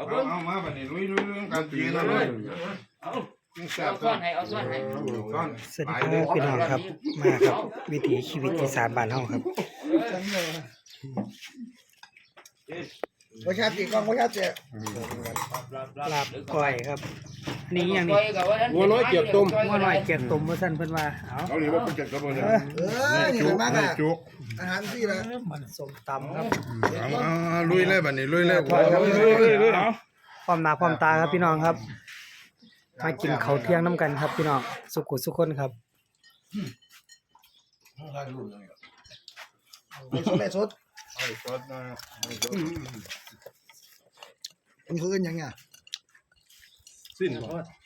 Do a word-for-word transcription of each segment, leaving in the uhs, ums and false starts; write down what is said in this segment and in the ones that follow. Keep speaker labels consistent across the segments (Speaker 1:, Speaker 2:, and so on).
Speaker 1: เอาเอามาบัดนี้ลุยลุยลุยกันกินนะลุยเอาเอาซ้อนให้เอาซ้อนให้
Speaker 2: สวัสดีครับพี่น้องครับมาครับวิถีชีวิตอีสานบ้านเฮาครับ
Speaker 3: ประชาติกองประชาติ
Speaker 2: ลาบก้อยครับนี่อย่างนี้
Speaker 4: งัวน้อยเกียบต้ม
Speaker 2: งัวน้อยเกียบต้มว่าซั่นเพิ่นว่าเอา
Speaker 1: เอาหนีว่าเป็นเจ็ดกระบอกเลย
Speaker 3: เออนี่เป็นมากอ่ะ
Speaker 1: จุก
Speaker 3: อาหารที่ละ
Speaker 2: มันส้มตำครับ
Speaker 1: เอาลุยเลยบัดนี้ลุยเลย
Speaker 2: พร้อมหน้าพร้อมตาครับพี่น้องครับมากินข้าวเที่ยงน้ำกันครับพี่น้องสุขุสุขคนครับ
Speaker 3: ไม่สด
Speaker 1: ไอ้ซดนะไอ้ซด
Speaker 3: มันคือกันยังไง
Speaker 4: สิ้น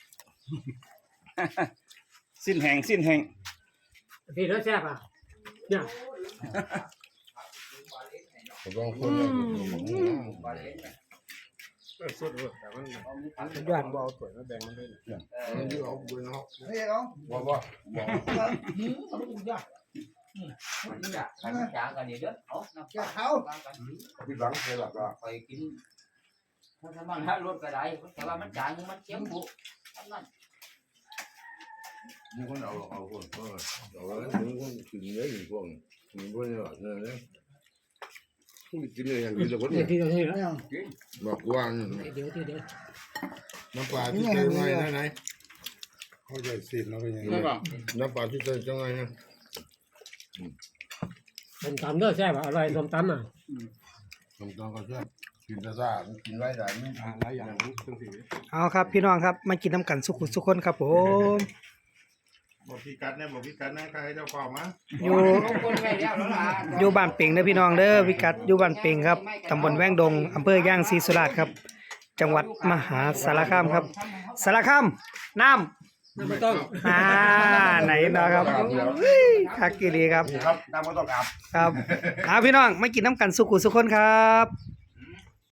Speaker 5: สิ้นแห่งสิ้นแห่ง
Speaker 4: พี่รสแซ่บอ่ะเนี่ย
Speaker 1: ลองคน
Speaker 4: สดเลยแต่มัน
Speaker 2: สุดยอด
Speaker 4: บ่เอาถ้วยมาแบ่งมันด้วยเนี่ย
Speaker 1: เอาบุญเนาะ
Speaker 3: ไม่ใช่เขา
Speaker 1: บ่บ่บ่
Speaker 3: เขาไม่ถูกยาก
Speaker 6: มันอยากขันจางกันเดี๋ยวเด้อเอาน้ำ
Speaker 3: แกเขา
Speaker 1: พี่หลังเคยหลับละ
Speaker 6: ไปกินถ้ามันให้รถก็ได้แต่ว่ามันจางมันเจ็บบุนั่น
Speaker 1: มีคนเอาเอาคนเออเอาแล้วมีคนกินเยอะอยู่พวกนี้มีพวกนี้แบบนี้นะผู้กินเลยอย่างนี้จะคน
Speaker 4: นี่
Speaker 1: เนี่ย
Speaker 4: ที่เราที่แล้ว
Speaker 1: บอกว่า
Speaker 4: เดี๋ยวเดี๋ยวเดี๋ยว
Speaker 1: น้ำปลาที่เจอไงนะไหนเขาจะสิเราเป็นยังไงน้ำปลาที่เจอจังไงนะ
Speaker 4: ส้มตำเด้อแซ่บอร่อยส้มตำอ่ะ
Speaker 1: ตรงตรงก็ใช่กินแต่ซ่ากินไรได้ไม่หลายอย่างทั้งสี่
Speaker 2: เอาครับพี่น้องครับมากินน้ำกันสุขุสุขคนครับผม
Speaker 1: บอกพี่กัดเนี่ยบอกพี่กัดนะใครเจ้าของมา
Speaker 2: อยู่
Speaker 6: คนไม่แล้วแล้วล่ะ
Speaker 2: อยู่บ้านเป่งเด้อพี่น้องเด้อพิกัดอยู่บ้านเป่งครับตำบลแว้งดงอำเภอย่างศรีสุราษฎร์ครับจังหวัดมหาสารคามครับสารคามน้ำ
Speaker 4: ไม่ต้อง
Speaker 2: อ่าไหนนะครับคักกีรีครับ
Speaker 1: ครับน้ำไม่ต้องอาบ
Speaker 2: ครับเอาพี่น้องมากินน้ำกันสุขุสุขคนครับ